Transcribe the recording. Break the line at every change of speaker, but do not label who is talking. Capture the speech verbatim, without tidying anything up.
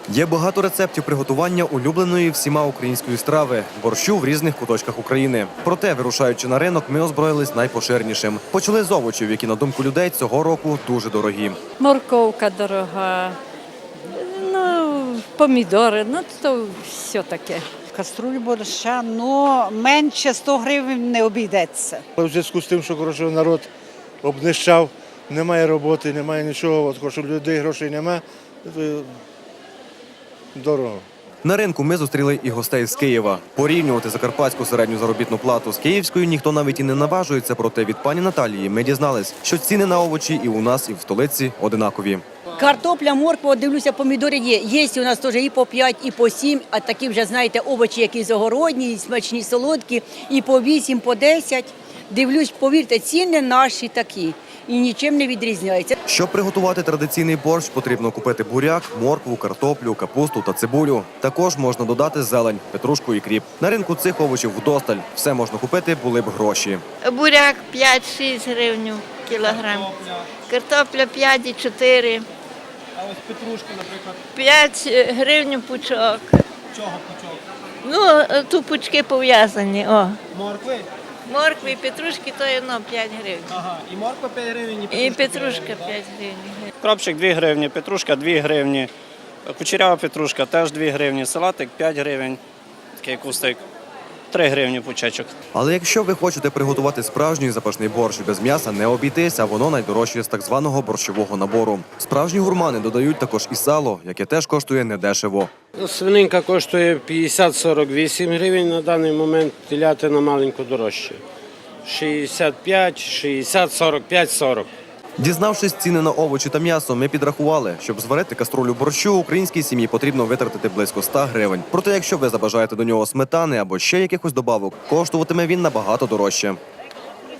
Є багато рецептів приготування улюбленої всіма української страви – борщу в різних куточках України. Проте, вирушаючи на ринок, ми озброїлись найпоширенішим. Почали з овочів, які, на думку людей, цього року дуже дорогі.
Морковка дорога, ну, помідори, ну то все таке.
Каструль борща, ну менше сто гривень не обійдеться.
У зв'язку з тим, що коротше, народ обнищав, немає роботи, немає нічого, от, коротше, людей грошей немає, то дорого.
На ринку ми зустріли і гостей з Києва. Порівнювати закарпатську середню заробітну плату з київською ніхто навіть і не наважується, проте від пані Наталії ми дізнались, що ціни на овочі і у нас, і в столиці одинакові.
Картопля, морква, дивлюся, помідори є. Є у нас теж і по п'ять, і по сім, а такі вже, знаєте, овочі, які загородні, і смачні, солодкі, і по вісім, по десять. Дивлюсь, повірте, ціни наші такі і нічим не відрізняються.
Щоб приготувати традиційний борщ, потрібно купити буряк, моркву, картоплю, капусту та цибулю. Також можна додати зелень, петрушку і кріп. На ринку цих овочів вдосталь. Все можна купити, були б гроші.
Буряк п'ять-шість гривень кілограм, картопля п'ять і чотири.
А ось петрушка, наприклад,
п'ять гривень пучок.
чого пучок?
Ну, тут пучки пов'язані. О.
Моркви?
Моркви і петрушки, то є ну, п'ять гривень.
Ага, і морква п'ять гривень, і
І
петрушка
петрушка
п'ять гривень.
п'ять гривень.
Кропчик дві гривні, петрушка дві гривні, кучерява петрушка теж дві гривні, салатик п'ять гривень, такий кустик, три гривні пучечок.
Але якщо ви хочете приготувати справжній запашний борщ без м'яса, не обійтись, а воно найдорожче з так званого борщового набору. Справжні гурмани додають також і сало, яке теж коштує недешево.
Свининка коштує п'ятдесят сорок вісім гривень на даний момент, телятина маленько дорожче. шістдесят п'ять, шістдесят, сорок п'ять, сорок.
Дізнавшись ціни на овочі та м'ясо, ми підрахували, щоб зварити каструлю борщу, українській сім'ї потрібно витратити близько ста гривень. Проте, якщо ви забажаєте до нього сметани або ще якихось добавок, коштуватиме він набагато дорожче.